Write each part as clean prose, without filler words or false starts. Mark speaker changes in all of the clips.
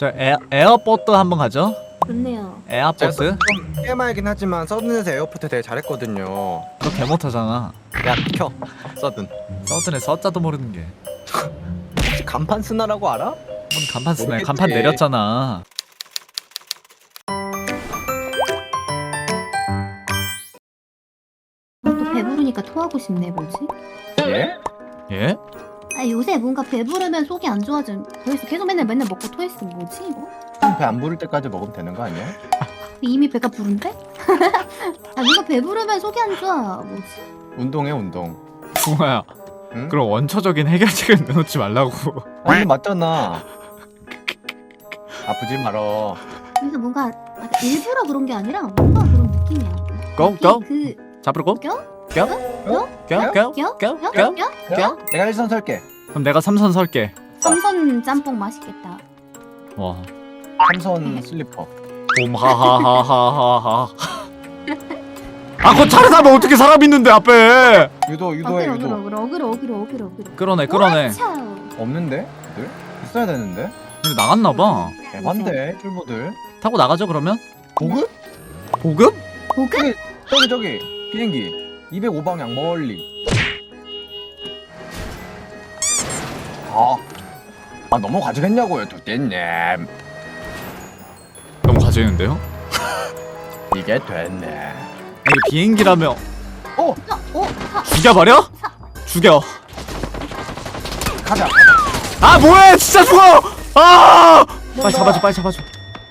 Speaker 1: 저 에어포트 한번 가죠.
Speaker 2: 좋네요.
Speaker 1: 에어포트.
Speaker 3: 좀 게임하긴 하지만 서든에서 에어포트 되게 잘했거든요.
Speaker 1: 너 개못하잖아.
Speaker 3: 야 켜. 서든.
Speaker 1: 서든에 서자도 모르는 게.
Speaker 3: 혹시 간판 쓰나라고 알아?
Speaker 1: 뭔 간판 쓰네.
Speaker 3: 모르겠지.
Speaker 1: 간판 내렸잖아.
Speaker 2: 또 배부르니까 토하고 싶네. 뭐지?
Speaker 3: 예?
Speaker 1: 예?
Speaker 2: 아 요새 뭔가 배부르면 속이 안 좋아져. 그래서 계속 맨날 먹고 토했어. 뭐지 이거?
Speaker 3: 배 안 부를 때까지 먹으면 되는 거 아니야?
Speaker 2: 이미 배가 부른데? 아 뭔가 배부르면 속이 안 좋아. 뭐지?
Speaker 3: 운동해 운동.
Speaker 1: 붕어야.
Speaker 3: 응?
Speaker 1: 그럼 원초적인 해결책을 내놓지 말라고.
Speaker 3: 아니 맞잖아. 아프지 말어.
Speaker 2: 그래서 뭔가 일부러 그런 게 아니라 뭔가 그런 느낌이야.
Speaker 1: 고 고.
Speaker 2: 그
Speaker 1: 잡으러 고.
Speaker 2: 껴?
Speaker 1: 껴?
Speaker 3: 어?
Speaker 1: 껴? 껴?
Speaker 2: 껴?
Speaker 1: 껴?
Speaker 2: 껴?
Speaker 1: 껴?
Speaker 2: 껴?
Speaker 1: 껴?
Speaker 3: 내가 일선 설게.
Speaker 1: 그럼 내가 삼선 설게.
Speaker 2: 삼선 짬뽕 맛있겠다.
Speaker 1: 와.
Speaker 3: 삼선 슬리퍼.
Speaker 1: 봄하하하하하. 아, 그거 차를 타면 어떻게 사람 있는데 앞에?
Speaker 3: 유도해 유도.
Speaker 2: 어그로.
Speaker 1: 끌어내, 끌어내.
Speaker 3: 없는데? 들 있어야 되는데?
Speaker 1: 근데 나갔나 봐.
Speaker 3: 대반대 쫄보들.
Speaker 1: 타고 나가죠 그러면?
Speaker 3: 보급?
Speaker 1: 보급?
Speaker 2: 보급?
Speaker 3: 저기 비행기 205방향 멀리. 아 넘어가지겠냐고요 두띠님.
Speaker 1: 너무 가지는데요?
Speaker 3: 이게 됐네.
Speaker 1: 이게 비행기라며
Speaker 2: 사.
Speaker 1: 죽여버려? 죽여.
Speaker 3: 가자.
Speaker 1: 아 뭐해 진짜 죽어. 아 빨리 잡아줘 빨리 잡아줘.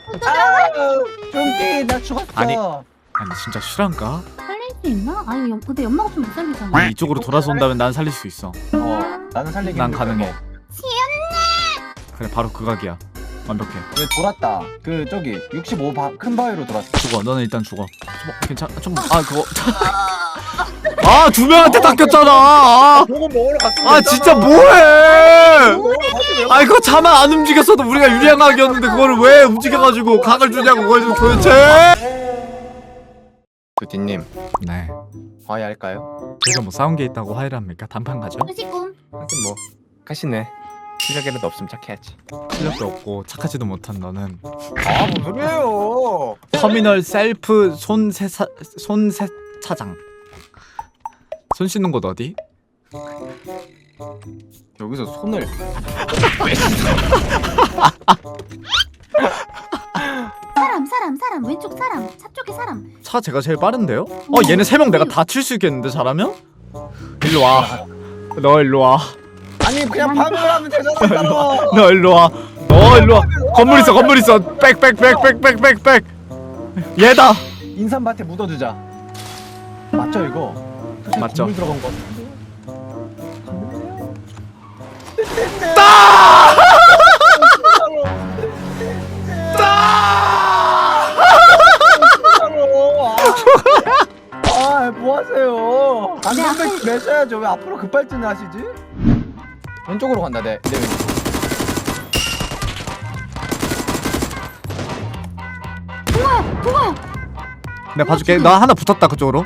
Speaker 3: 좀비 나 죽었어.
Speaker 1: 아니. 아니 진짜 실한가?
Speaker 2: 살릴 수 있나? 아니 근데 연마가 좀 못 살리잖아.
Speaker 1: 이쪽으로 돌아서 온다면 난 살릴 수 있어.
Speaker 3: 나는 살리기
Speaker 1: 난
Speaker 3: 힘들어.
Speaker 1: 가능해. 그래 바로 그 각이야. 완벽해.
Speaker 3: 얘 돌았다. 그 저기 65 큰 바위로 돌았어.
Speaker 1: 죽어. 너는 일단 죽어. 괜찮아. 아 그거. 아 두 명한테 닦였잖아. 아,
Speaker 3: 보고 먹으러 갔어.
Speaker 1: 아 진짜 뭐해? 아 이거 차만 안 움직였어도 우리가 유리한 각이었는데 그거를 왜 움직여가지고 각을 주냐고 그걸 도대체.
Speaker 3: 두띠님
Speaker 1: 네.
Speaker 3: 화해할까요?
Speaker 1: 저희가 뭐 싸운 게 있다고 화해를 합니까? 단판 가죠?
Speaker 2: 수식군.
Speaker 3: 하긴 뭐 가시네. 실력이라도 없으면 착해야지.
Speaker 1: 실력도 없고 착하지도 못한 너는
Speaker 3: 아 무슨 소리예요?
Speaker 1: 터미널 셀프 손세차장. 손 씻는 곳 어디?
Speaker 3: 여기서 손을
Speaker 2: 사람 왼쪽 사람 차 쪽에 사람.
Speaker 1: 차 제가 제일 빠른데요? 얘네 3명 내가 다 칠 수 있겠는데 잘하면? 일로 와. 너 일로 와.
Speaker 3: 아니 그냥 방을 하면 되잖아.
Speaker 1: 너 일로 와. 너 일로 와. 건물 있어. 백. 얘다.
Speaker 3: 인삼밭에 묻어주자. 맞죠 이거? 사실
Speaker 1: 맞죠.
Speaker 3: 건물 들어간 거 같은데. 아, 뭐 하세요? 안전벨트 매셔야죠. 왜 앞으로 급발진을 하시지? 왼쪽으로 간다. 내 왼쪽.
Speaker 2: 그거야.
Speaker 1: 내가 봐줄게. 나 하나 붙었다 그쪽으로.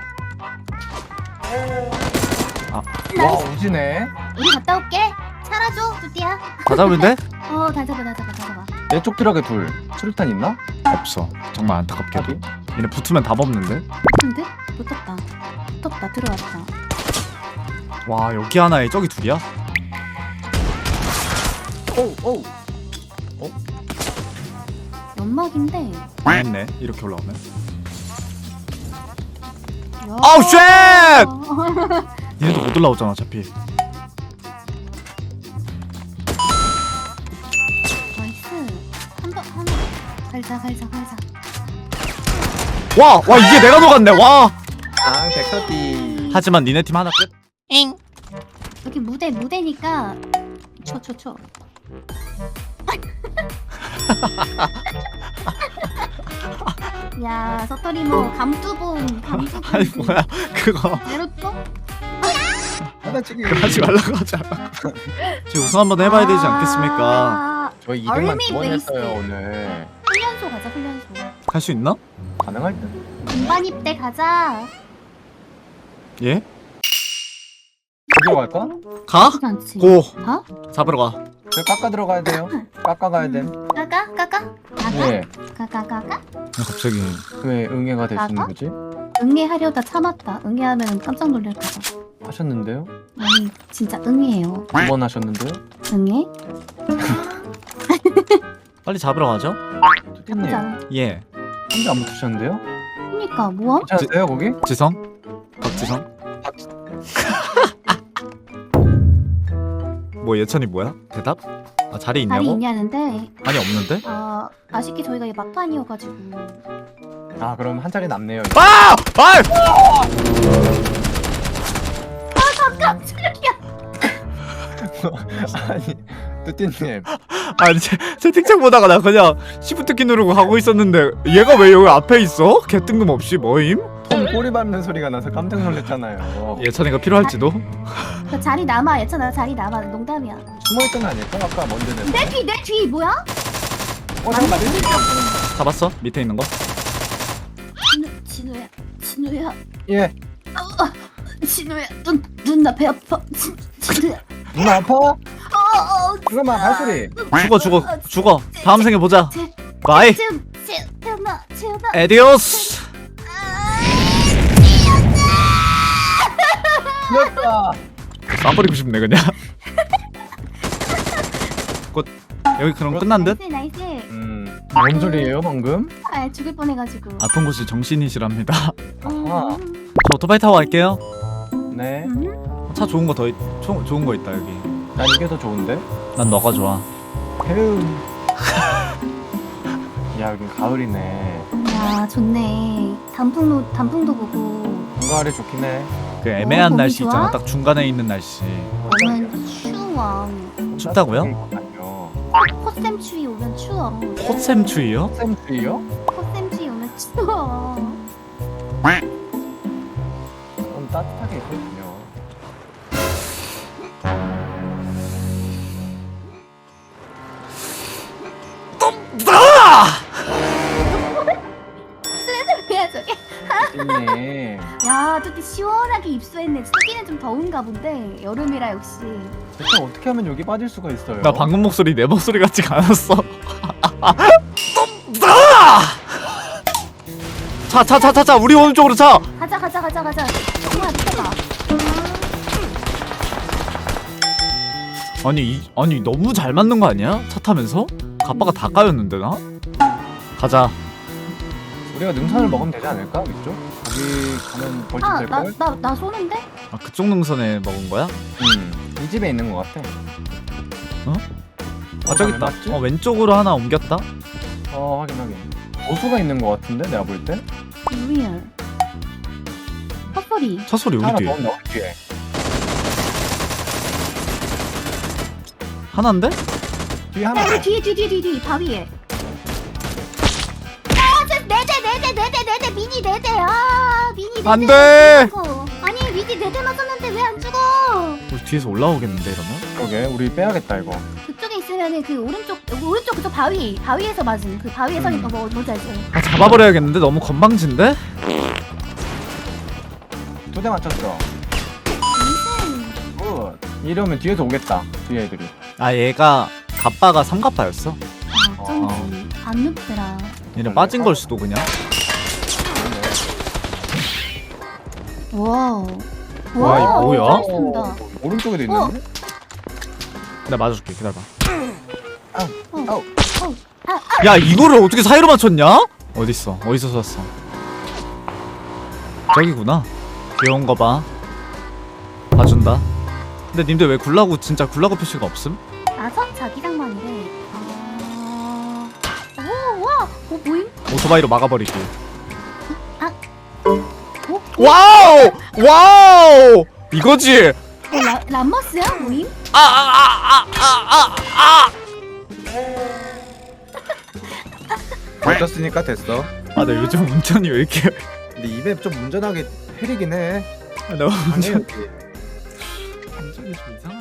Speaker 3: 와, 오지네.
Speaker 2: 우리 갔다 올게. 살아줘 두띠야.
Speaker 1: 다 잡으면 돼?
Speaker 2: 다 잡아.
Speaker 3: 내 쪽 트럭에 둘. 수류탄 있나?
Speaker 1: 없어. 정말 안타깝게도. 얘네 붙으면 답 없는데?
Speaker 2: 근데 붙었다. 들어왔다.
Speaker 1: 와 여기 하나에 저기 둘이야?
Speaker 3: 오우.
Speaker 2: 연막인데.
Speaker 1: 했네. 이렇게 올라오면.
Speaker 2: 야.
Speaker 1: 아우 쉣! 얘네도 못 올라오잖아 어차피.
Speaker 2: 나이스. 하나. 갈자.
Speaker 1: 와 이게 내가 녹았네. 와.
Speaker 3: 아, 백서띠.
Speaker 1: 하지만 니네 팀 하나 끝.
Speaker 2: 여기 무대니까 쳐. 야 서터리모 감두봉.
Speaker 1: 아니 뭐야 그거
Speaker 2: 내렸어?
Speaker 3: 하나치기.
Speaker 1: 하지 말라고 하잖아. 저 우승 한번 해봐야 되지 않겠습니까?
Speaker 3: 저희 2등만
Speaker 2: 얼미
Speaker 3: 2번
Speaker 2: 베이스.
Speaker 3: 했어요 오늘.
Speaker 2: 훈련소 가자.
Speaker 1: 갈 수 있나?
Speaker 3: 가능할 듯.
Speaker 2: 군반 입대 가자.
Speaker 1: 예?
Speaker 3: 어디로 갈까?
Speaker 1: 가?
Speaker 2: 그렇지 않지?
Speaker 1: 고
Speaker 2: 가?
Speaker 1: 잡으러 가.
Speaker 3: 저 깎아 들어가야 돼요. 깎아 가야 됨.
Speaker 2: 까까?
Speaker 3: 네.
Speaker 2: 까까?
Speaker 1: 갑자기
Speaker 3: 왜 응애가 될 수 있는
Speaker 2: 깎아?
Speaker 3: 거지?
Speaker 2: 응애하려다 참았다. 응애하면 깜짝 놀랄까봐.
Speaker 3: 하셨는데요?
Speaker 2: 아니 진짜 응애예요.
Speaker 3: 2번 하셨는데요?
Speaker 2: 응애?
Speaker 1: 빨리 잡으러 가죠.
Speaker 3: 투띠님
Speaker 2: 나쁘지 않아.
Speaker 1: 예.
Speaker 3: 혼자 안 붙으셨는데요?
Speaker 2: 그니까 뭐야?
Speaker 3: 괜찮으세요 거기?
Speaker 1: 지성? 박지성? 뭐 예찬이 뭐야? 대답? 아 자리 있냐고?
Speaker 2: 자리 있냐는데
Speaker 1: 아니 없는데?
Speaker 2: 아쉽게 저희가 막판이어가지고
Speaker 3: 아 그럼 한 자리 남네요.
Speaker 1: 아! 아!
Speaker 2: 깜짝이야.
Speaker 3: 아니 투띠님
Speaker 1: 아니 채팅창 보다가 나 그냥 시프트키 누르고 가고 있었는데 얘가 왜 여기 앞에 있어? 개 뜬금없이 뭐임?
Speaker 3: 톰 꼬리 밟는 소리가 나서 깜짝 놀랐잖아요.
Speaker 1: 예찬이가 필요할지도?
Speaker 2: 그 자리 남아. 예찬아 자리 남아. 농담이야.
Speaker 3: 숨어있던 거 아닐까? 아까 먼저는.
Speaker 2: 내 뒤 뭐야?
Speaker 3: 잠깐만.
Speaker 1: 잡았어? 밑에 있는 거?
Speaker 2: 진우야.
Speaker 3: 예.
Speaker 2: 진우야. 눈나 배 아파. 진우야.
Speaker 3: 눈 아파? 잠깐만 발소리.
Speaker 1: 죽어 다음 생에 보자 바이
Speaker 2: 태연아.
Speaker 1: 에디오스
Speaker 3: 귀엽다.
Speaker 1: 쏴버리고 싶네 그냥 곧 여기 그럼 끝난 듯?
Speaker 2: 나이스.
Speaker 3: 뭔 소리예요 방금?
Speaker 2: 아 죽을 뻔해가지고.
Speaker 1: 아픈 곳이 정신이시랍니다
Speaker 3: 아하.
Speaker 1: 저 오토바이 타고 갈게요
Speaker 3: 네.
Speaker 1: 차 좋은 거 좋은 거 있다 여기
Speaker 3: 난 이게 더 좋은데?
Speaker 1: 난 너가 좋아
Speaker 3: 헤우. 야 여긴 가을이네.
Speaker 2: 야 좋네. 단풍도 보고.
Speaker 3: 가을이 좋긴 해.
Speaker 1: 그 애매한
Speaker 2: 거기
Speaker 1: 날씨
Speaker 2: 좋아?
Speaker 1: 있잖아 딱 중간에 있는 날씨
Speaker 2: 오면 추워.
Speaker 1: 춥다고요?
Speaker 2: 콧샘 추위 오면 추워.
Speaker 1: 포샘 추위요?
Speaker 3: 쌤트요?
Speaker 2: 콧샘 추위 오면 추워.
Speaker 3: 그럼 따뜻하게 있거든요.
Speaker 1: 아!
Speaker 2: 뭐야 저게?
Speaker 3: 님
Speaker 2: 야 뚜띠 시원하게 입수했네. 뚜띠는 좀 더운가 본데 여름이라 역시.
Speaker 3: 대체 어떻게 하면 여기 빠질 수가 있어요?
Speaker 1: 나 방금 목소리 내 목소리 같지가 않았어 차 우리 오른쪽으로 차
Speaker 2: 가자. 정말 미쳐봐.
Speaker 1: 아니 너무 잘 맞는 거 아니야? 차 타면서? 가빠가 다 까였는데 나? 가자
Speaker 3: 우리가 능선을 먹으면 되지 않을까? 위쪽? 거기 가면 벌집 될걸?
Speaker 2: 나 쏘는데?
Speaker 1: 아 그쪽 능선에 먹은 거야?
Speaker 3: 이 집에 있는 것 같아.
Speaker 1: 아 저기 있다
Speaker 3: 맞지?
Speaker 1: 왼쪽으로 하나 옮겼다
Speaker 3: 확인. 보수가 있는 것 같은데 내가 볼 때?
Speaker 2: 리얼. 헛소리.
Speaker 1: 차 소리
Speaker 3: 하나
Speaker 1: 여기
Speaker 3: 더
Speaker 1: 뒤에
Speaker 3: 온다 우리 뒤에.
Speaker 1: 하나인데?
Speaker 3: 뒤에 하나.
Speaker 2: 야, 뒤 바위에. 네대 미니 네대. 미니 네대.
Speaker 1: 안 돼!
Speaker 2: 아니 미니 네대 맞았는데 왜 안 죽어?
Speaker 1: 우리 뒤에서 올라오겠는데 이러면?
Speaker 3: 그러게 우리 빼야겠다 이거.
Speaker 2: 그쪽에 있으면은 그 오른쪽 그쪽 바위에서 맞은 그 바위에 서 있는 거 뭔지 알지?
Speaker 1: 아 잡아버려야겠는데? 너무 건방진데?
Speaker 3: 2대 맞췄어. 굿. 이러면 뒤에서 오겠다. 뒤에 애들이.
Speaker 1: 아 얘가 갑바가 삼갑바였어
Speaker 2: 어쩐지 안 눕더라.
Speaker 1: 얘는 빠진 걸 수도 그냥
Speaker 2: 와우.
Speaker 1: 와, 이거 뭐야?
Speaker 2: 잘쏜다.
Speaker 3: 오른쪽에도 있는데?
Speaker 1: 내가 맞아줄게 기다려봐
Speaker 3: 아우.
Speaker 1: 야 이거를 어떻게 사이로 맞췄냐? 어딨어 어디서 쐈어 저기구나 귀여운 거봐 봐준다 근데 님들 왜 굴라고 진짜 굴라고 표시가 없음?
Speaker 2: 아선 자기장만이래. 와, 보임?
Speaker 1: 오토바이로 막아버리기
Speaker 2: 오,
Speaker 1: 와우 이거지
Speaker 2: 람머스야 보임?
Speaker 3: 맞췄으니까 됐어.
Speaker 1: 아 나 요즘 운전이 왜 이렇게
Speaker 3: 근데 입에 좀 운전하게 흐리긴 해.
Speaker 1: 너무
Speaker 3: 아니에요.
Speaker 1: 운전이 좀 이상